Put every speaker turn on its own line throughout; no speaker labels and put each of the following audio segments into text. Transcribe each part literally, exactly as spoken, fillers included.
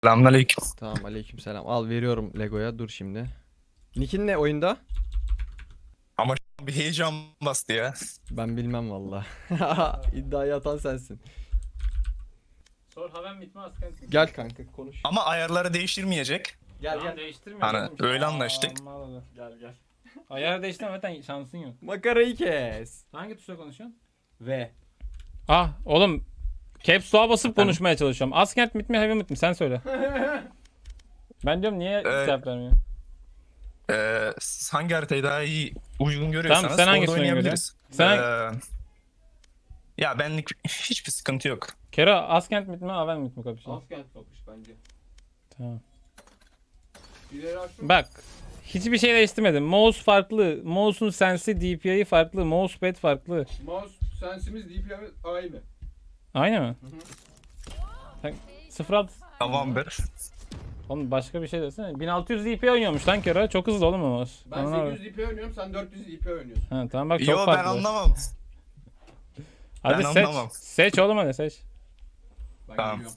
Selamünaleyküm.
Tamam, aleykümselam. Al veriyorum Lego'ya. Dur şimdi. Nick'in ne oyunda?
Ama şu an bir heyecan bastı ya.
Ben bilmem valla. İddiayı atan sensin.
Sor haven bitme asken.
Gel kanka konuş.
Ama ayarları değiştirmeyecek.
Gel
Tamam,
gel.
değiştirme.
Hani
oğlum.
öyle
Aa,
anlaştık.
Allah Allah. Gel gel. Ayarı değiştirme zaten şansın yok.
Makarayı kes.
Hangi tuşla konuşuyorsun?
Ve.
Ah oğlum Caps Lock'a basıp
Efendim?
konuşmaya çalışıyorum. Askent mit mi heavy mit mi sen söyle. Ben diyorum niye
Ee,
cevap vermiyor.
Ee, siz hangi haritayı daha iyi uygun görüyorsanız
Tamam, sen
orada
hangisini
oynayabiliriz.
Sen-
Ee, ya benlik hiçbir sıkıntı yok.
Kero Askent mit mi Aven mit mi kapışıyor?
Askent kapış bence.
Tamam.
İleri açtım.
Bak hiçbir şey değiştirmedim. Mouse farklı. Mouse'un sensi D P I'yi farklı. Mousepad farklı.
Mouse sensimiz D P I'miz aynı.
Aynı mı? Sen sıfır alt.
Tamamdır.
Oğlum başka bir şey desene. bin altı yüz D P I oynuyormuş lan Kero. Çok hızlı oğlum o mouse.
Ben
Anladın mı?
sekiz yüz D P oynuyorum, sen dört yüz D P oynuyorsun.
Ha, tamam bak çok
Yo ben
farklı.
anlamam.
Hadi
ben
seç.
anlamam.
Seç oğlum hadi seç.
Ben
Tamam.
geliyorum.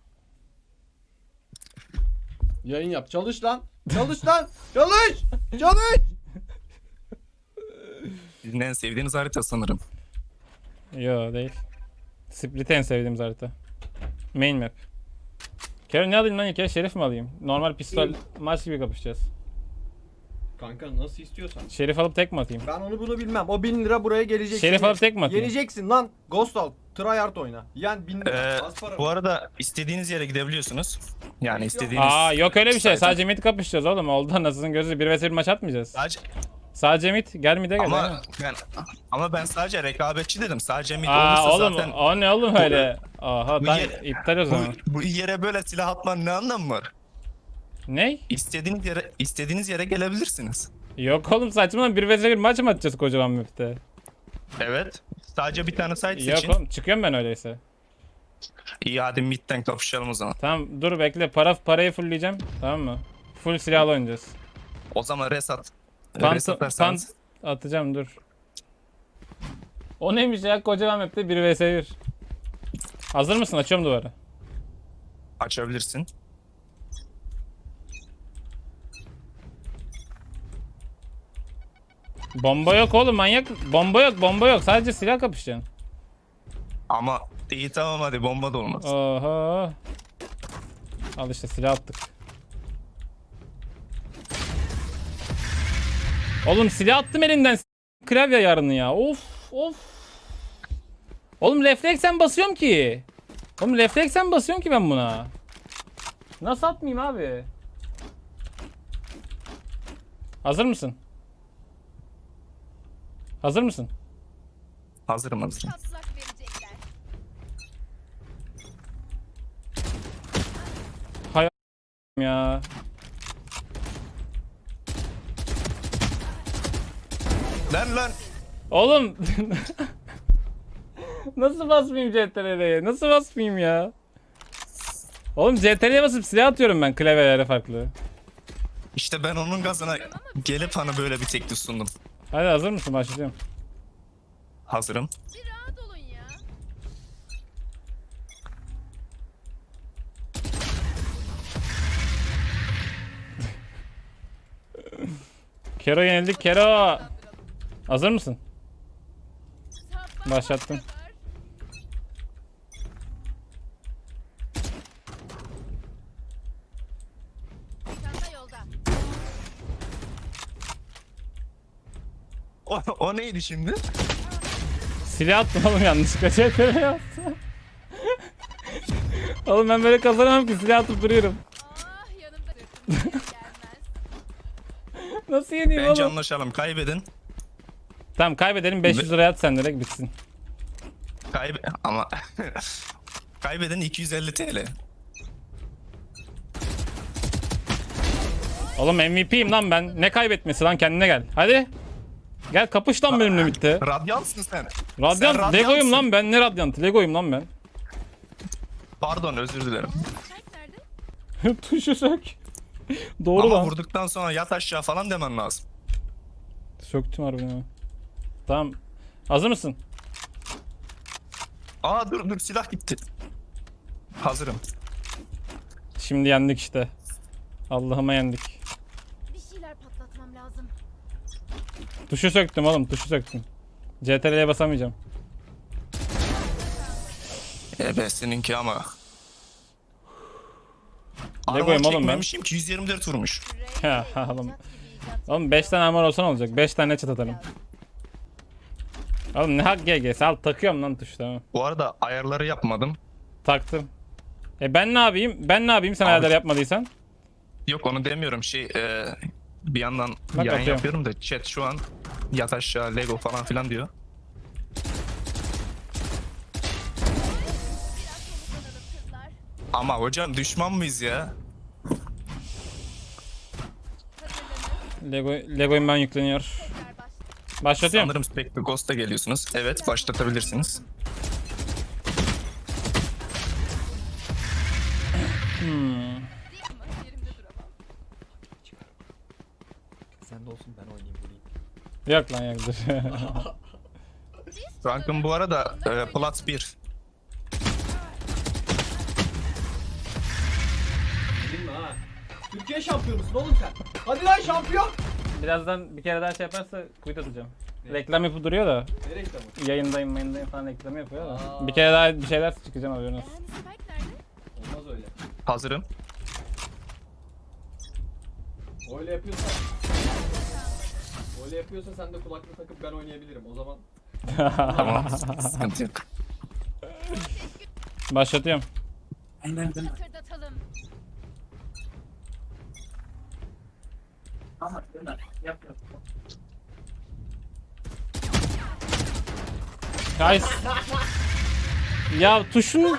Yayın yap. Çalış lan. Çalış lan. Çalış. Çalış.
Sizin en sevdiğiniz harita sanırım.
Yo değil. Split en sevdiğimiz harita. Main map. Kero ne alayım lan ilk ya? Şerif mi alayım? Normal pistol maç gibi kapışacağız.
Kanka nasıl istiyorsan.
Şerif alıp tek mi atayım?
Ben onu bunu bilmem. O bin lira buraya gelecek.
Şerif
Şimdi
alıp tek mi atayım?
Yeneceksin lan. Ghost al. Tryhard oyna. Yen bin lira.
Ee,
Az para.
bu arada istediğiniz yere gidebiliyorsunuz. Yani istediğiniz...
Aa yok öyle bir şey.
Zaten-
Sadece mid kapışacağız oğlum. Oldu anasının gözü. bir vs bir maç atmayacağız.
Sadece...
Sadece mid. Gel mid'e gel.
Ama
aynen.
ben ama ben sadece rekabetçi dedim. Sadece mid
Aa
olursa
oğlum
zaten
o ne oğlum öyle? Aha
bu
ben
yer-
iptal o
bu,
zaman.
bu yere böyle silah atmanın ne anlamı var?
Ne?
İstediğiniz yere istediğiniz yere gelebilirsiniz.
Yok oğlum saçmalama. bir vs bir maç mı atacağız kocaman map'te?
Evet. Sadece bir tane site
Yok
seçin.
oğlum çıkıyorum ben öyleyse.
İyi hadi midden kapışalım o zaman.
Tamam dur bekle. Para parayı fullleyeceğim. Tamam mı? Full silahlı oynayacağız.
O zaman resat.
Pant,
Resat
pant
atarsanız.
atacağım dur. O neymiş ya kocaman map'te bir vs bir. Hazır mısın? Açıyorum duvarı.
Açabilirsin.
Bomba yok oğlum manyak. Bomba yok bomba yok. Sadece silah kapışacaksın.
Ama iyi tamam hadi bomba da olmaz.
Oha. Al işte silah attık. Oğlum silah attım elimden. S- Klavye yarını ya. Of of. Oğlum refleksen basıyorum ki. Oğlum refleksen basıyorum ki ben buna. Nasıl atmayayım abi? Hazır mısın? Hazır mısın?
Hazırım hazırım.
Taslak verecekler.
Ya.
Lan lan.
Oğlum. Nasıl basmayayım C T R L'ye? Nasıl basmayayım ya? Oğlum C T R L'ye basıp silah atıyorum ben klavyelere farklı.
İşte ben onun gazına gelip hani böyle bir teklif sundum.
Hadi hazır mısın? Başlıyorum.
Hazırım.
Bir rahat olun ya.
Kero yenildik Kero. Hazır mısın?
Sabah
Başlattım.
kadar. Çanta yolda.
O, o neydi şimdi?
Silah attım oğlum yanlışlıkla C T R'ye attım. Oğlum ben böyle kazanamam ki silah atıp duruyorum.
Ah yanımda sırtım gelmez.
Nasıl yeneyim
Bence
oğlum?
anlaşalım. Kaybedin.
Tamam kaybedelim beş yüz liraya at sen direkt bitsin.
Kaybe ama kaybeden iki yüz elli T L.
Oğlum M V P'yim lan ben. Ne kaybetmesi lan kendine gel. Hadi. Gel kapış lan benimle bitti.
Radyansın sen.
Radyant
Sen
Lego'yum
radyansın.
lan ben. Ne radyant? Lego'yum lan ben.
Pardon özür dilerim.
Kalp nerede?
Tuşu sök. Doğru
Ama
lan.
vurduktan sonra yat aşağı falan demen lazım.
Söktüm harbiden ha. Tamam. Hazır mısın?
Aa dur dur silah gitti. Hazırım.
Şimdi yendik işte. Allah'ıma yendik.
Bir şeyler patlatmam lazım.
Tuşu söktüm oğlum, tuşu söktüm. C T R L'ye basamayacağım.
Evet seninki ama.
Lego'yum
Armor
oğlum ben.
çekmemişim ki yüz yirmi dört vurmuş.
Ya
Rey,
oğlum.
icat gibi icat.
Oğlum beş tane armor olsan olacak. beş tane çat atarım. Oğlum ne hak G G'si, al takıyorum lan tuşu, tamam.
Bu arada ayarları yapmadım.
Taktım. E ben ne yapayım? Ben ne yapayım sen
Abi-
ayarları yapmadıysan?
Yok onu demiyorum şey e, bir yandan
Bak
yayın
atıyorum.
yapıyorum da chat şu an yat aşağı Lego falan filan diyor.
Kızlar.
Ama hocam düşman mıyız ya?
Hazırlanın.
Lego Lego'yum ben yükleniyor.
Tekrar baş.
Başlatıyorum.
Sanırım Spectre Ghost'a geliyorsunuz. Evet başlatabilirsiniz.
Değil mi? Yerimde duramam.
Sen de olsun ben oynayayım vurayım.
Yok lan yok dur.
Rankım bu arada e, Plat bir.
Bilin mi ha? Türkiye şampiyonusun oğlum sen. Hadi lan şampiyon.
Birazdan bir kere daha şey yaparsa kuyut atacağım. Reklam yapıp duruyor da
Ne reklamı?
yayındayım yayındayım falan reklamı yapıyor da.
Aa.
Bir kere daha bir şeyler çıkacağım haberiniz.
Yani Spike nerede?
Olmaz öyle.
Hazırım.
Öyle yapıyorsan. Öyle yapıyorsa sen de kulaklık takıp ben oynayabilirim. O zaman
Tamam. Sıkıntı yok.
Başlatıyorum.
Hatırdatalım.
Guys. Ya tuşun
ya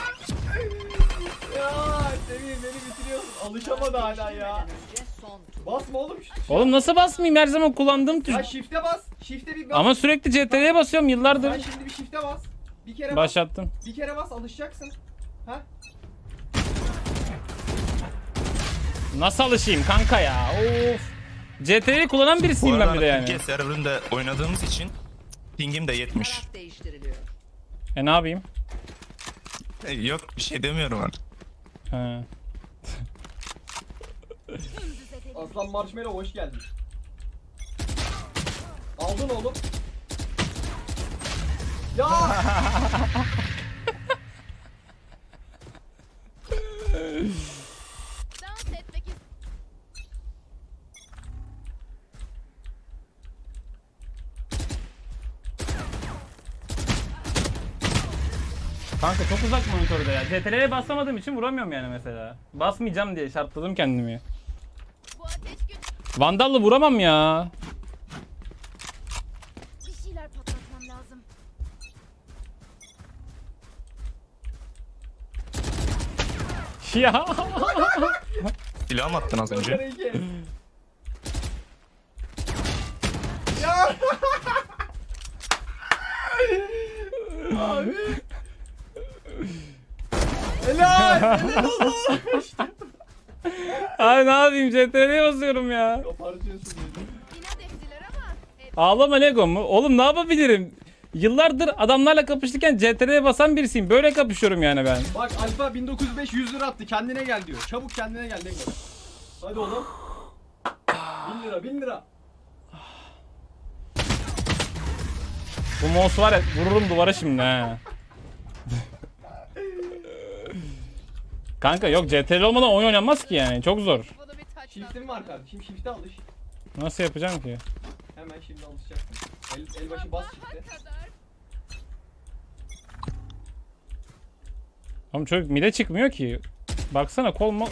Semih beni bitiriyorsun. Alışamadı hala ya. Basma oğlum şu tuşa.
oğlum nasıl basmayayım, her zaman kullandığım tuş.
Ya shift'e bas. Shift'e bir bas.
Ama sürekli C T R'ye basıyorum
Sen
yıllardır.
şimdi bir shift'e bas. Bir kere bas.
Başlattım.
Bir kere bas alışacaksın. Ha?
Nasıl alışayım kanka ya? Of. C T R'yi kullanan
Bu
birisiyim ben
arada
bir de yani.
Türkiye serverında oynadığımız için pingim de yetmiş.
Taraf değiştiriliyor.
E ne yapayım?
E, Yok bir şey demiyorum artık.
He.
Dümdüz edelim.
Aslan Marshmallow hoş geldin. Aldın oğlum. Ya!
Dans etmek ist-
Kanka çok uzak monitörde ya. C T R'ye basamadığım için vuramıyorum yani mesela. Basmayacağım diye şartladım kendimi.
Bu ateş gün.
Vandal'la vuramam ya.
Bir şeyler patlatmam lazım.
Ya.
Silah mı attın az önce?
Kare iki. Ya! Abi. Helal! Helal olsun!
Abi ne yapayım, C T R'ye basıyorum ya.
Kopartıyorsun beni.
İnat ettiler ama. hep-
Ağlama Lego mu? Oğlum ne yapabilirim? Yıllardır adamlarla kapışırken C T R'ye basan birisiyim. Böyle kapışıyorum yani ben.
Bak Alfa bin dokuz yüz beş yüz lira attı. Kendine gel diyor. Çabuk kendine gel Lego. Hadi oğlum. bin lira bin lira.
Bu mouse var ya, vururum duvara şimdi ha. Kanka yok, C T R L olmadan oyun oynanmaz ki yani. Çok zor.
Bana bir taç
Shift'im var kardeşim. Shift'e alış.
Nasıl yapacağım ki?
Hemen şimdi alışacaksın. El, el başı bas shift'e.
kadar.
Oğlum çocuk mide çıkmıyor ki. Baksana kol mu?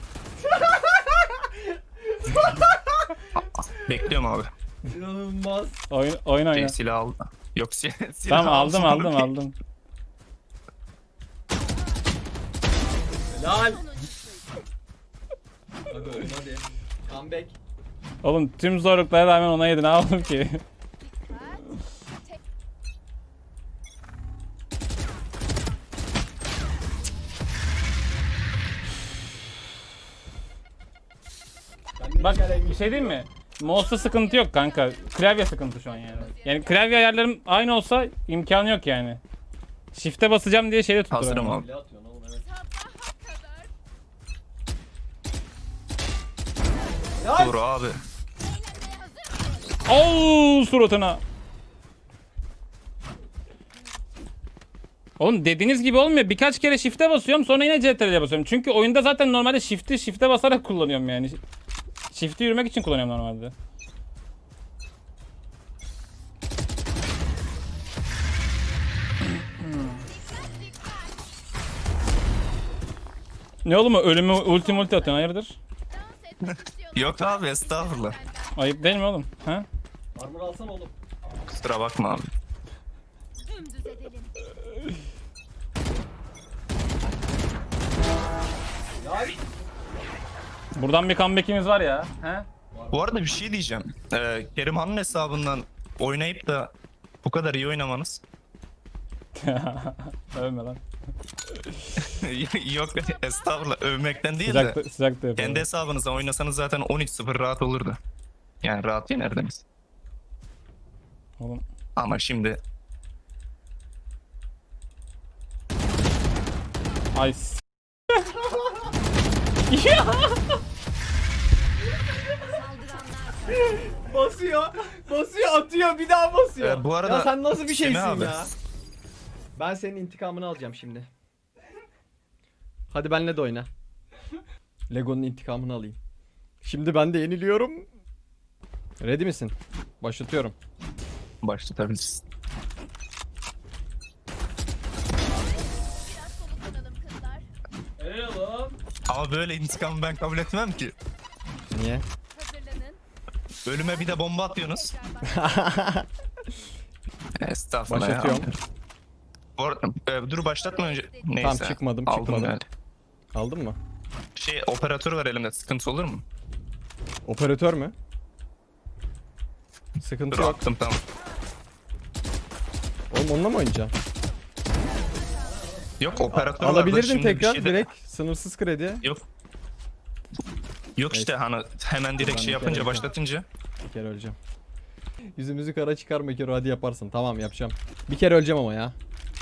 Bekliyorum abi.
İnanılmaz.
Oyun, oyun oyna.
Şey, silah al. Yok silah, silah
Tamam aldım
alsın.
aldım aldım.
Helal. Hadi oğlum hadi. Comeback.
Oğlum tüm zorluklara rağmen ona yedi, ne yapalım ki?
Tek-
Kendine
Bak
gel en
bir şey diyeyim mi? Mouse'da sıkıntı yok kanka. Klavye sıkıntı şu an yani. Yani klavye ayarlarım aynı olsa imkanı yok yani. Shift'e basacağım diye şeyde tutturamıyorum.
Hazırım abi.
Bile atıyorsun oğlum evet.
Sabaha kadar.
Ya
Dur abi.
Oo suratına. Oğlum dediğiniz gibi olmuyor. Birkaç kere shift'e basıyorum sonra yine C T R L'ye basıyorum. Çünkü oyunda zaten normalde shift'i shift'e basarak kullanıyorum yani. Shift'i yürümek için kullanıyorum normalde. Ne oğlum o ölümü ulti multi atıyorsun hayırdır?
Dans etmek istiyorlar.
Yok abi estağfurullah.
Ayıp değil mi oğlum? Ha?
armor alsana oğlum.
Kusura bakma abi.
Dümdüz edelim.
Ya
Buradan bir comeback'imiz var ya. He?
Bu arada bir şey diyeceğim. Ee, Kerimhan'ın hesabından oynayıp da bu kadar iyi oynamanız.
Övme lan.
Yok estağfurullah övmekten değil de.
Sıcakta, sıcakta yapalım.
Kendi hesabınıza oynasanız zaten on üç sıfır rahat olurdu. Yani rahat yenerdiniz.
Oğlum.
Ama şimdi
Ay s-
basıyor. Basıyor atıyor bir daha basıyor.
Ee, bu arada
ya sen nasıl bir şeysin
Semih abi.
ya? Ben senin intikamını alacağım şimdi. Hadi benle de oyna. Lego'nun intikamını alayım. Şimdi ben de yeniliyorum. Ready misin? Başlatıyorum.
başlatabiliriz.
Biraz soluklanalım kızlar.
Helal oğlum.
Ama böyle intikamı ben kabul etmem ki.
Niye?
Hazırlanın.
Ölüme bir de bomba atıyorsunuz.
Tekrar bak.
Estağfurullah
Başlatıyorum.
ya. Bu arada, e, dur başlatma önce. Neyse.
Tamam, çıkmadım,
Aldım
çıkmadım.
yani.
Aldın mı?
Şey operatör var elimde sıkıntı olur mu?
Operatör mü? Sıkıntı
Dur
yok.
attım tamam.
Oğlum onunla mı oynayacaksın?
Yok operatör var da
Alabilirdin
şimdi bir
tekrar
şey de-
direkt sınırsız kredi.
Yok. Yok işte hani hemen direkt
Ben
şey
bir
yapınca
kere-
başlatınca.
Bir kere öleceğim. Yüzümüzü kara çıkarma Kero, hadi yaparsın. Tamam yapacağım. Bir kere öleceğim ama ya.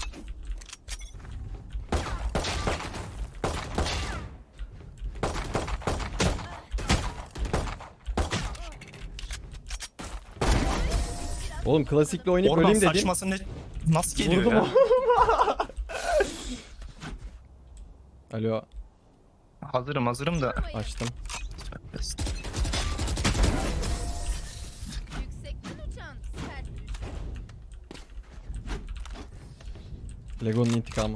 Oğlum klasikle oynayıp
Oradan
öleyim dedim.
saçması ne nasıl geliyor
Vurdum
ya?
o. Alo,
Hazırım hazırım da.
açtım.
Yüksekten uçan sert düş.
Lego'nun intikamı.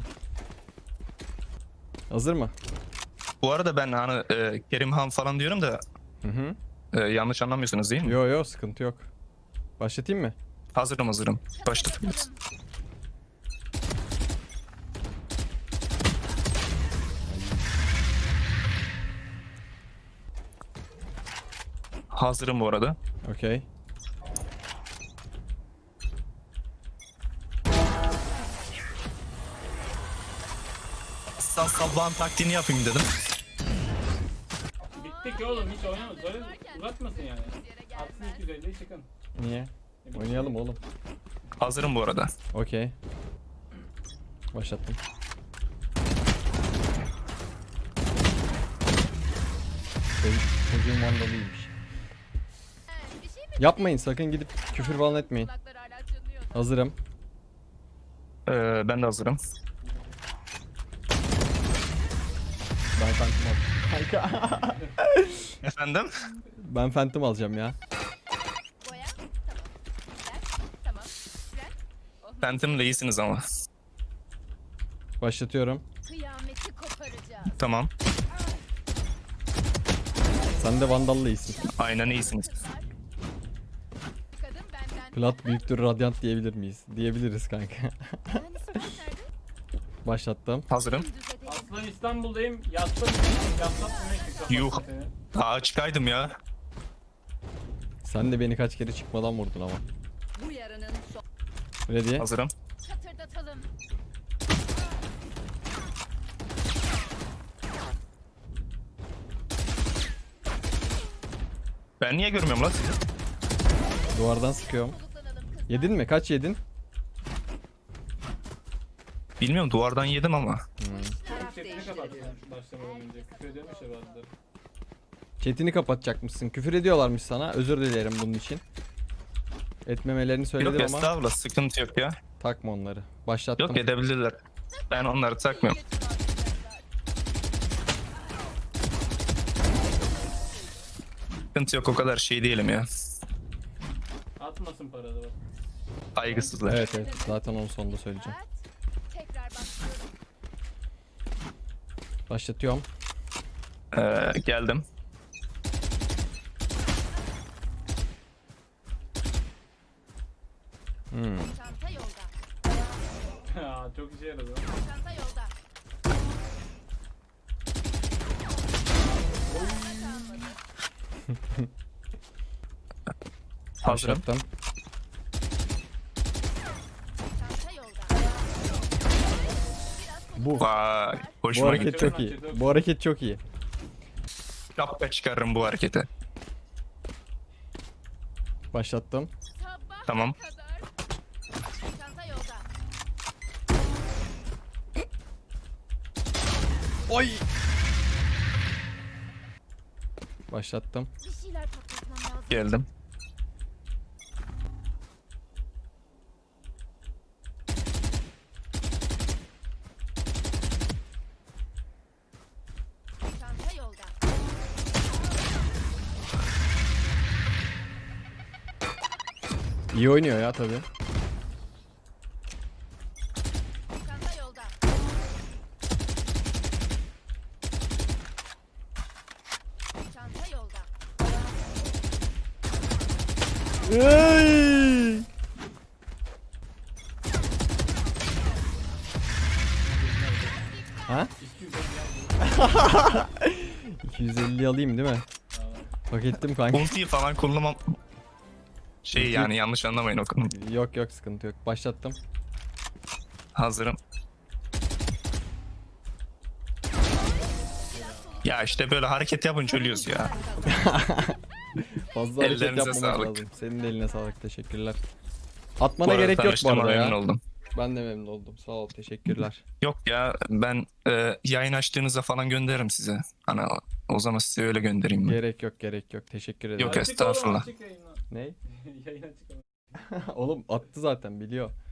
Hazır mı?
Bu arada ben hani e, Kerimhan falan diyorum da
Hı hı.
e, yanlış anlamıyorsunuz değil mi?
Yo yo, sıkıntı yok. Başlatayım mı?
Hazırım hazırım. Başlatabiliriz. Hazırım bu arada.
Okey.
Sal sabahın taktiğini yapayım dedim.
Bitti ki oğlum hiç oynamaz. Böyle uzatmasın yani. Atsın iki yüz elli çıkın.
Niye? Oynayalım oğlum.
Hazırım bu arada.
Okey. Başlattım. Benim çocuğum vandalıymış.
Bir şey mi?
Yapmayın sakın, gidip küfür falan etmeyin.
Kulaklar hala çınlıyor.
Hazırım.
Ee, ben de hazırım.
Ben Phantom alacağım. Kanka.
Efendim?
Ben Phantom alacağım ya.
Boya. Tamam. Fren. Tamam. Fren.
Phantom'la iyisiniz ama.
Başlatıyorum.
Kıyameti koparacağız.
Tamam.
Sen de vandalla iyisin.
Aynen iyisiniz.
Kızlar. Kadın benden.
Plat büyüktür radyant diyebilir miyiz? Diyebiliriz kanka.
Yani Sven nerede?
Başlattım.
Hazırım.
Dümdüz edelim.
Aslan İstanbul'dayım. Yattım. Yattım.
Yuh. Aa çıkaydım ya.
Sen de beni kaç kere çıkmadan vurdun ama.
Bu yarının son.
Ready?
Hazırım.
Çatırdatalım.
Ben niye görmüyorum lan sizi?
Duvardan sıkıyorum.
Soluklanalım kızlar.
Yedin mi? Kaç yedin?
Bilmiyorum duvardan yedim ama.
Sesini kapattım başlamadan önce. Küfür ediyormuş ya bazıları.
Chatini kapatacakmışsın. Küfür ediyorlarmış sana. Özür dilerim bunun için. Etmemelerini söyledim
Yok
ama
estağfurullah, sıkıntı yok ya.
takma onları. Başlattım.
Yok, edebilirler. Ben onları takmıyorum. Sıkıntı yok, o kadar şey değilim ya.
Atmasın paraları bak.
Saygısızlar.
Evet evet. Zaten onu sonunda söyleyeceğim.
Tekrar başlıyorum.
Başlatıyorum.
Ee, geldim.
Hmm.
Çanta yolda.
Aa, çok işe yaradı.
Çanta yolda.
Hazırım.
Başlattım.
Çanta yolda.
Bu.
Vay,
Bu
hoşuma gitti.
hareket çok iyi. Bu hareket çok iyi.
Şapka çıkarırım bu harekete.
Başlattım.
Sabah
Tamam.
kadar. Çanta yolda.
Oy. Başlattım.
Bir şeyler patlatmam lazım.
Geldim.
Çanta yolda.
İyi oynuyor ya tabii.
Çanta yolda. Çanta yolda.
Ey! Ha? iki yüz elli alayım değil mi? Hak ettim kanka.
Ultiyi falan kullanmam. Şey yani, yanlış anlamayın o konuyu.
Yok yok sıkıntı yok. Başlattım.
Hazırım. Ya işte böyle hareket yapınca ölüyoruz ya.
Fazla hareket
Ellerinize
yapmamak
sağlık.
lazım. Senin de eline sağlık. Teşekkürler. Atmana
Bu arada
gerek yok bu
tanıştığıma
arada
memnun
ya.
oldum.
Ben de memnun oldum. Sağ ol. Teşekkürler.
Yok ya, ben e, yayın açtığınızda falan gönderirim size. Hani o, o zaman size öyle göndereyim ben.
Gerek yok gerek yok. Teşekkür ederim.
Yok,
Açık oğlum,
estağfurullah.
açık yayına.
Ne?
Yayın açık ama.
Oğlum attı zaten biliyor.